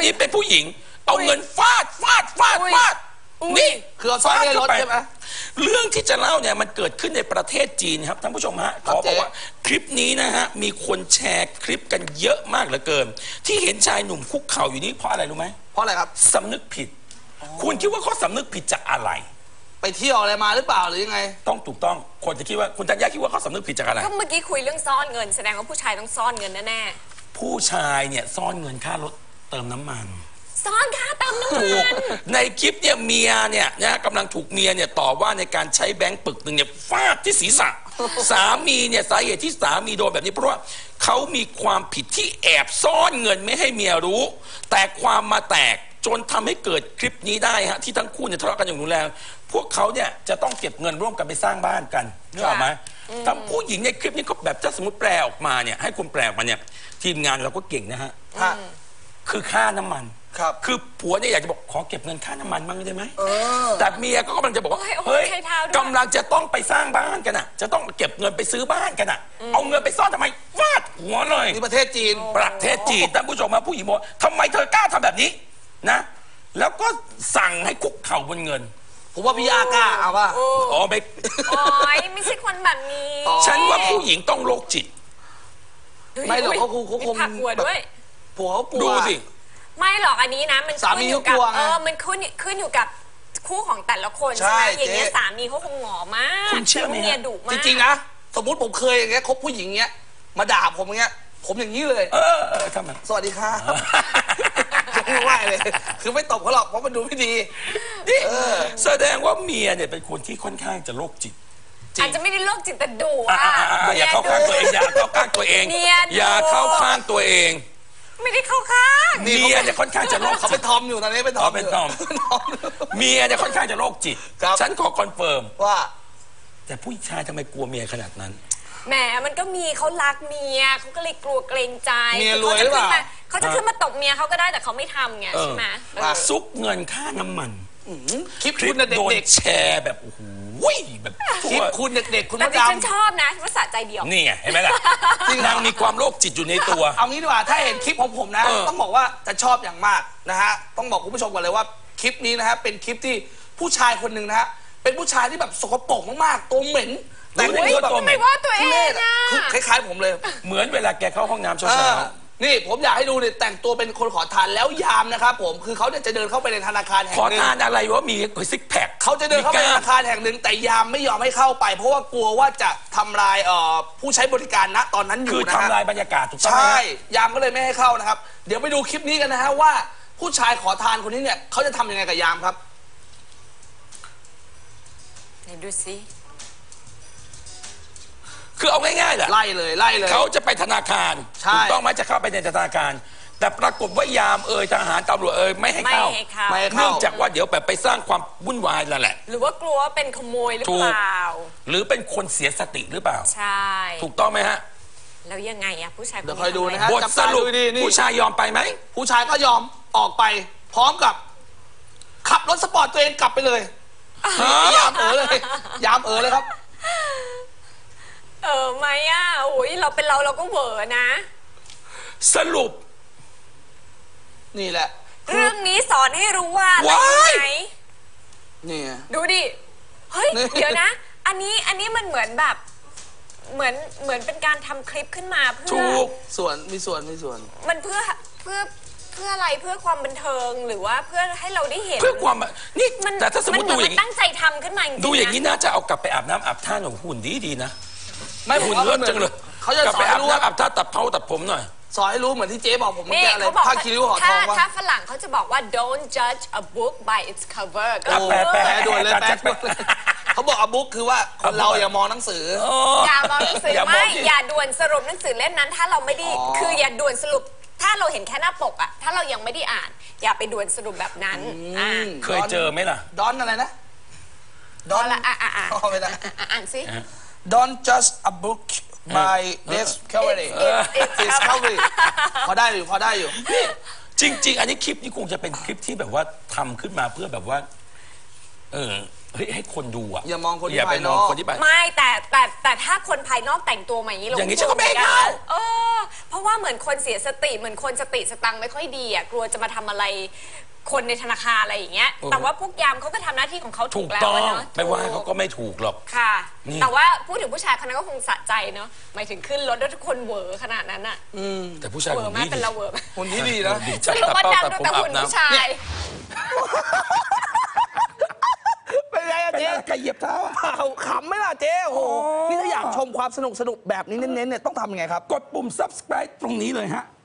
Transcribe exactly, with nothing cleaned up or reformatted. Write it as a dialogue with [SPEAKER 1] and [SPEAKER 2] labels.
[SPEAKER 1] นี้เป็นผู้หญิงเอาเงินฟาดฟาดฟาดฟาดนี่
[SPEAKER 2] คือเอาซ่อนในรถใช่ไหม
[SPEAKER 1] เรื่องที่จะเล่าเนี่ยมันเกิดขึ้นในประเทศจีนครับท่านผู้ชมฮะขอบอกว่าคลิปนี้นะฮะมีคนแชร์คลิปกันเยอะมากเหลือเกินที่เห็นชายหนุ่มคุกเข่าอยู่นี้เพราะอะไรรู้ไหม
[SPEAKER 2] เพราะอะไรครับ
[SPEAKER 1] สำนึกผิดคุณคิดว่าเขาสำนึกผิดจากอะไร
[SPEAKER 2] ไปเที่ยวอะไรมาหรือเปล่าหรือยังไง
[SPEAKER 1] ต้องถูกต้องคนจะคิดว่าคุณธัญญาคิดว่าเขาสำนึกผิดจากอะไร
[SPEAKER 3] ก็เมื่อกี้คุยเรื่องซ่อนเงินแสดงว่าผู้ชายต้องซ่อนเงินแน่
[SPEAKER 1] ๆผู้ชายเนี่ยซ่อนเงินค่ารถเติมน้ำมัน
[SPEAKER 3] ซ่อนค่าเติมน้ำมัน
[SPEAKER 1] ในคลิปเนี่ยเมียเนี่ยนะกำลังถูกเมียเนี่ยต่อว่าในการใช้แบงค์ปึกหนึ่งเนี่ยฟาดที่ศีรษะสามีเนี่ยสาเหตุที่สามีโดนแบบนี้เพราะว่าเขามีความผิดที่แอบซ่อนเงินไม่ให้เมียรู้แต่ความมาแตกจนทำให้เกิดคลิปนี้ได้ฮะที่ทั้งคู่เนี่ยทะเลาะกันอย่างรุนแรงพวกเขาเนี่ยจะต้องเก็บเงินร่วมกันไปสร้างบ้านกันนึกออกไหมทั้งผู้หญิงในคลิปนี้เขาแบบถ้าสมมติแปลออกมาเนี่ยให้คนแปลออกมาเนี่ยทีมงานเราก็เก่งนะฮะคือค่าน้ำมันคือผัวเนี่ยอยากจะบอกขอเก็บเงินค่าน้ำมันบ้างได้ไหมแต่เมียก็กำลังจะบอกว่าเฮ้ยกำลังจะต้องไปสร้างบ้านกันอ่ะจะต้องเก็บเงินไปซื้อบ้านกันอ่ะเอาเงินไปซ่อนทำไมฟาดหัวเลย
[SPEAKER 2] นี่ประเทศจีน
[SPEAKER 1] ประเทศจีนท่านผู้ชมมาผู้หญิงบอกทำไมเธอกล้าทำแบบนี้นะแล้วก็สั่งให้คุกเข่าบนเงิน
[SPEAKER 2] ผมว่าพี่อากล้าเอาป่ะ
[SPEAKER 1] อ๋อไม่
[SPEAKER 3] โอ้ยไม่ใช่คนแบบนี้
[SPEAKER 1] ฉันว่าผู้หญิงต้องโรคจิต
[SPEAKER 2] ไม่หรอกเขาคงเขาคง
[SPEAKER 3] ผักหัวด้วย
[SPEAKER 2] ผัวเขากลัว
[SPEAKER 1] ดูสิ
[SPEAKER 3] ไม่หรอกอันนี้นะมันขึ้นอยู่กับเออมันขึ้นขึ้นอยู่กับคู่ของแต่ละคนใช่ไหมอย่างเงี้ยสามีเขาคงหงอมาก
[SPEAKER 1] คุณเชื่อไหม
[SPEAKER 2] จริงๆนะสมมติผมเคยอย่างเงี้ยคบผู้หญิงเงี้ยมาด่าผมอย่างเงี้ยผมอย่างนี้เลย
[SPEAKER 1] เออทำไม
[SPEAKER 2] สวัสดีค่ะไม่ไหวเลยคือไม่ตบเขาหรอกเพราะมันดูไม่ดี
[SPEAKER 1] นี่แสดงว่าเมียเนี่ยเป็นคนที่ค่อนข้างจะโรคจิต
[SPEAKER 3] อาจจะไม่ได้โรคจิตแต่ดุอ่ะ
[SPEAKER 1] อย่าเข้าข้างตัวเองอย่าเข้าข้างตัวเองอย่าเข้าข้างตัวเอง
[SPEAKER 3] ไม่ได้เข้าข้าง
[SPEAKER 1] เมียเนี่ยค่อนข้างจะโรค
[SPEAKER 2] เขาเป็นทอมอยู่ตอนนี้เป็นทอม
[SPEAKER 1] เป็นทอมเมียเนี่ยค่อนข้างจะโรคจิตฉันขอคอนเฟิร์ม
[SPEAKER 2] ว่า
[SPEAKER 1] แต่ผู้ชายทำไมกลัวเมียขนาดนั้น
[SPEAKER 3] แหมมันก็มีเขารักเมียเขาก็เลยกลัวเกรงใจ
[SPEAKER 2] เมียรวยหรือเปล่า
[SPEAKER 3] เขาจะขึ้นมาตบเมียเขาก็ได้แต่เขาไม่ทำไงใช่ไหม
[SPEAKER 1] ซุกเงินค่าน้ำมัน
[SPEAKER 2] คลิปคุณ
[SPEAKER 1] โดนแชร์แบบโอ้โหแบบ
[SPEAKER 2] คลิปคุณเด็กๆคุณ
[SPEAKER 3] แต่ฉันชอบนะว่าสะใจเดียว
[SPEAKER 1] นี่ไงเห็นไหมล่ะนางมีความโรคจิตอยู่ในตัว
[SPEAKER 2] เอางี้ดีกว่าถ้าเห็นคลิปของผมนะต้องบอกว่าจะชอบอย่างมากนะฮะต้องบอกคุณผู้ชมก่อนเลยว่าคลิปนี้นะฮะเป็นคลิปที่ผู้ชายคนหนึ่งนะฮะเป็นผู้ชายที่แบบสกปรกมากๆตัวเหม็น
[SPEAKER 1] แต่ไม่ว่าตัวเหม็น
[SPEAKER 3] ว่าตัวเอง
[SPEAKER 2] คือคล้ายๆผมเลย
[SPEAKER 1] เหมือนเวลาแกเข้าห้องน้ำเช้า
[SPEAKER 2] นี่ผมอยากให้ดูเนี่ยแต่งตัวเป็นคนขอทานแล้วยามนะครับผมคือเขาเนี่ยจะเดินเข้าไปในธนาคารแห่งหนึ่ง
[SPEAKER 1] ขอทานอะไรวะมีซิกแพค
[SPEAKER 2] เขาจะเดินเข้าไปในธนาคารแห่งหนึ่งแต่ยามไม่ยอมให้เข้าไปเพราะว่ากลัวว่าจะทำลายผู้ใช้บริการณตอนนั้นอยู่
[SPEAKER 1] นะคือทำลายบรรยากาศถูกต้องไหม
[SPEAKER 2] ใช่ยามก็เลยไม่ให้เข้านะครับเดี๋ยวไปดูคลิปนี้กันนะฮะว่าผู้ชายขอทานคนนี้เนี่ยเขาจะทำยังไงกับยามครับ
[SPEAKER 3] ไหนดูสิ
[SPEAKER 1] คือเอาง่ายๆแหละ
[SPEAKER 2] ไล่เลยไล่เลย
[SPEAKER 1] เขาจะไปธนาคารถูกต้องไหมจะเข้าไปในธนาคารแต่ปรากฏว่ายามเอ่ยทหารตำรวจเอ่ยไม่ให้เข้าเนื่องจากว่าเดี๋ยวแบบไปสร้างความวุ่นวายนั่นแหละ
[SPEAKER 3] หรือว่ากลัวว่าเป็นขโมยหรือเปล่า
[SPEAKER 1] หรือเป็นคนเสียสติหรือเปล่า
[SPEAKER 3] ใช่
[SPEAKER 1] ถูกต้องไหมฮะ
[SPEAKER 3] แล้วยังไงอะผู้ชาย
[SPEAKER 2] เดี๋ยวคอยดูนะฮะ
[SPEAKER 1] บทสรุปผู้ชายยอมไปไหม
[SPEAKER 2] ผู้ชายก็ยอมออกไปพร้อมกับขับรถสปอร์ตตัวเองกลับไปเลยยามเอ๋อเลยยามเอ๋อเลยครับ
[SPEAKER 3] เออไหมอ่ะโอ้ยเราเป็นเราเราก็เหวอนะ
[SPEAKER 1] สรุป
[SPEAKER 2] นี่แหละ
[SPEAKER 3] เรื่องนี้สอนให้รู้ว่าอะไรไหน
[SPEAKER 2] นี่
[SPEAKER 3] ดูดิเฮ้ยเดี๋ยวนะอันนี้อันนี้มันเหมือนแบบเหมือนเหมือนเป็นการทำคลิปขึ้นมาเพื่อ
[SPEAKER 2] ส่วนมีส่วนมีส่วน
[SPEAKER 3] มันเพื่อเพื่อเพื่ออะไรเพื่อความบันเทิงหรือว่าเพื่อให้เราได้เห็น
[SPEAKER 1] เพื่อความนี่แต่ถ้าสมมติดูอย่าง
[SPEAKER 3] นี้ตั้งใจทำขึ้นมา
[SPEAKER 1] ดูอย่างนี้น่าจะเอากลับไปอาบน้ำอาบท่าหนูหุ่นดีดีนะ
[SPEAKER 2] ไม่
[SPEAKER 1] หุ่นเลิศจังเลย
[SPEAKER 2] เขาจะสอนให้รู้
[SPEAKER 1] ว่าอาบท่าตัดเผาตัดผมหน่อย
[SPEAKER 2] สอนให้รู้เหมือนที่เจ๊บอกผมเมื่อกี้อะไรผ้าคิริ้วห่อทองว่า
[SPEAKER 3] ถ้าฝรั่งเขาจะบอกว่า don't judge a book by its cover ก็
[SPEAKER 1] แปลแปล
[SPEAKER 2] ด่วนเลยแปลเขาบอก a book คือว่าคนเราอย่ามองหนังสือ
[SPEAKER 3] อย่ามองหนังสือไม่อย่าด่วนสรุปหนังสือเล่มนั้นถ้าเราไม่ได้คืออย่าด่วนสรุปถ้าเราเห็นแค่หน้าปกอะถ้าเรายังไม่ได้อ่านอย่าไปด่วนสรุปแบบนั้น
[SPEAKER 1] เคยเจอไหมล่ะ
[SPEAKER 2] ดอนอะไรนะ
[SPEAKER 3] ดอนละอ่ะอ่ะอ่ะอ่านสิ
[SPEAKER 2] don't judge a book by discovery discovery พอได้อยู่พอได้อยู่
[SPEAKER 1] จริงๆอันนี้คลิปนี้คงจะเป็นคลิปที่แบบว่าทำขึ้นมาเพื่อแบบว่าเออเฮ้ยให้คนดูอ่ะ
[SPEAKER 2] อย่ามองคนที่
[SPEAKER 1] อย่าไป
[SPEAKER 2] ภาย
[SPEAKER 1] ม
[SPEAKER 2] น
[SPEAKER 1] อง
[SPEAKER 2] อก
[SPEAKER 1] คนที่ไป
[SPEAKER 3] ไม่แต่แต่แต่ถ้าคนภายนอกแต่งตัวมาอย่างนี้เรา
[SPEAKER 1] อย่างนี้ฉันก็ไม่ให้เข้า
[SPEAKER 3] เออเพราะว่าเหมือนคนเสียสติเหมือนคนสติสตังค์ไม่ค่อยดีอ่ะกลัวจะมาทำอะไรคนในธนาคารอะไรอย่างเงี้ยแต่ว่าพวกยามเขาก็ทำหน้าที่ของเขาถู
[SPEAKER 1] ถู
[SPEAKER 3] ก
[SPEAKER 1] ก
[SPEAKER 3] แล้ว
[SPEAKER 1] ต้อง
[SPEAKER 3] เนาะ
[SPEAKER 1] ไม่ว่าเขาก็ไม่ถูกหรอก
[SPEAKER 3] ค่ะ
[SPEAKER 1] นี่
[SPEAKER 3] แต่ว่าพูดถึงผู้ชายคนนั้นก็คงสะใจเนาะหมายถึงขึ้นรถแล้วทุกคนเหวอขนาดนั้นอ่ะ
[SPEAKER 1] แต่ผู้ชาย
[SPEAKER 3] เหว
[SPEAKER 1] ค
[SPEAKER 3] อน ไหม
[SPEAKER 1] นี้
[SPEAKER 3] เป็นเราเหวอไหม
[SPEAKER 2] คนที่ดีนะ
[SPEAKER 1] ดี
[SPEAKER 3] ส
[SPEAKER 1] จับ
[SPEAKER 3] รุป
[SPEAKER 1] ตา
[SPEAKER 3] ว่า
[SPEAKER 1] เป้า
[SPEAKER 3] ดำ
[SPEAKER 1] ตัด
[SPEAKER 3] ดู
[SPEAKER 1] ผม
[SPEAKER 3] แต่
[SPEAKER 1] อา
[SPEAKER 3] หุ่น
[SPEAKER 1] บ
[SPEAKER 3] ผู้
[SPEAKER 1] น้ำ
[SPEAKER 3] ชาย
[SPEAKER 2] เป็นไงอะเจ๊
[SPEAKER 1] ใครเหยียบเท้าอะ
[SPEAKER 2] เปล่าขำไหมล่ะเจ๊โอ้โหนี่ถ้าอยากชมความสนุกสนุกแบบนี้เน้นๆเนี่ยต้องทำยังไงครับ
[SPEAKER 1] กดปุ่ม subscribe ตรงนี้เลยฮะ